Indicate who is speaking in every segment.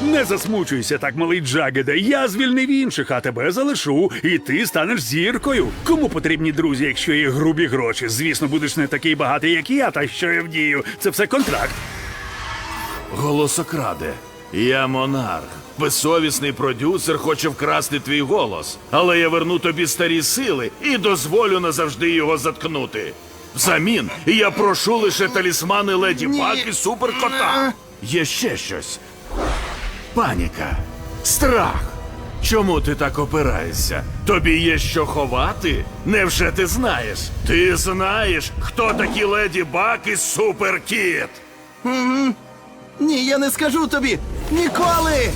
Speaker 1: Не засмучуйся так, малий Джагеде. Я звільнив інших, а тебе залишу, і ти станеш зіркою. Кому потрібні друзі, якщо є грубі гроші? Звісно, будеш не такий багатий, як я, та що я вдію. Це все контракт.
Speaker 2: Голосокраде, я монарх. Безсовісний продюсер хоче вкрасти твій голос. Але я верну тобі старі сили і дозволю назавжди його заткнути. Взамін я прошу лише талісмани Леді Баг і Суперкота. Є ще щось. Паніка. Страх. Чому ти так опираєшся? Тобі є що ховати? Невже ти знаєш? Ти знаєш, хто такі Леді Баг і Суперкіт?
Speaker 3: Ні, я не скажу тобі! Ніколи!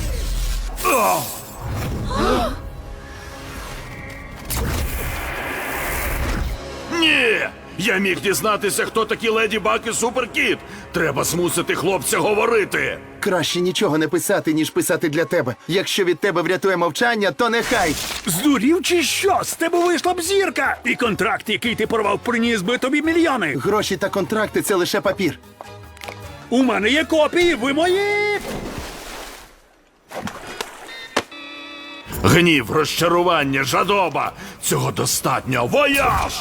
Speaker 2: Ні! Я міг дізнатися, хто такі Леді Баг і Суперкіт. Треба змусити хлопця говорити.
Speaker 3: Краще нічого не писати, ніж писати для тебе. Якщо від тебе врятує мовчання, то нехай.
Speaker 1: Здурів чи що? З тебе вийшла б зірка! І контракт, який ти порвав, приніс би тобі мільйони.
Speaker 3: Гроші та контракти – це лише папір.
Speaker 1: У мене є копії, ви мої!
Speaker 2: Гнів, розчарування, жадоба. Цього достатньо. Вояж!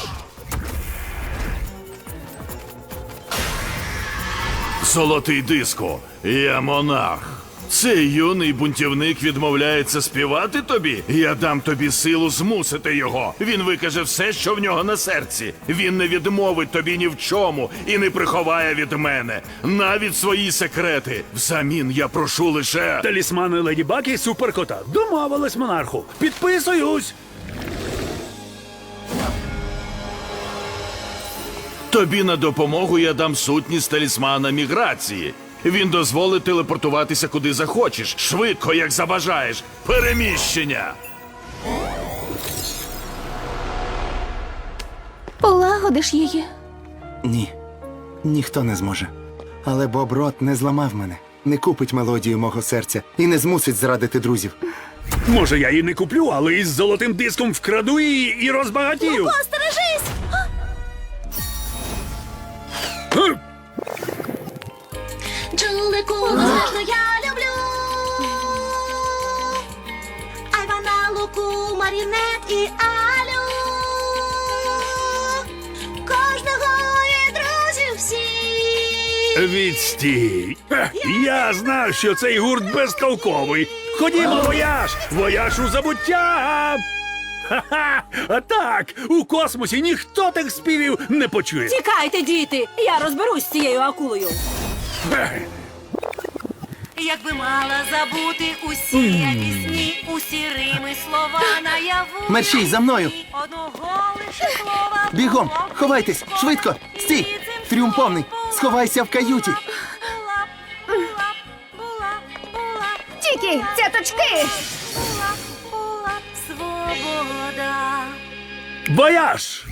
Speaker 2: Золотий диско, я монарх. Цей юний бунтівник відмовляється співати тобі. Я дам тобі силу змусити його. Він викаже все, що в нього на серці. Він не відмовить тобі ні в чому і не приховає від мене навіть свої секрети. Взамін я прошу лише...
Speaker 1: Талісмани Леді Баг і Суперкота. Домовились, монарху. Підписуюсь!
Speaker 2: Тобі на допомогу я дам сутність талісмана міграції. Він дозволить телепортуватися куди захочеш, швидко, як забажаєш. Переміщення!
Speaker 4: Полагодиш її.
Speaker 3: Ні, ніхто не зможе. Але Боб Рот не зламав мене, не купить мелодію мого серця і не змусить зрадити друзів.
Speaker 1: Може, я її не куплю, але із золотим диском вкраду її і розбагатію.
Speaker 4: Остережись!
Speaker 1: Гм!
Speaker 4: Джулику, безмежно я люблю. Айвана, Луку, Марінет і Алю. Кожного і друзів всі.
Speaker 1: Відстій. Я знав, що цей гурт безтолковий. Ходімо, вояж! Вояж у забуття! Ха-ха! А так, у космосі ніхто тих співів не почує.
Speaker 5: Тікайте, діти! Я розберусь з цією акулою.
Speaker 6: Якби мала забути усі я пісні, усі рими, слова наяву.
Speaker 3: Мерщій, за мною!
Speaker 6: Одного лише слова.
Speaker 3: Бігом! Ховайтесь! Швидко! Стій! Тріумф повний! Сховайся в каюті!
Speaker 4: Тільки, цяточки!
Speaker 6: Була свобода.
Speaker 1: Вояж!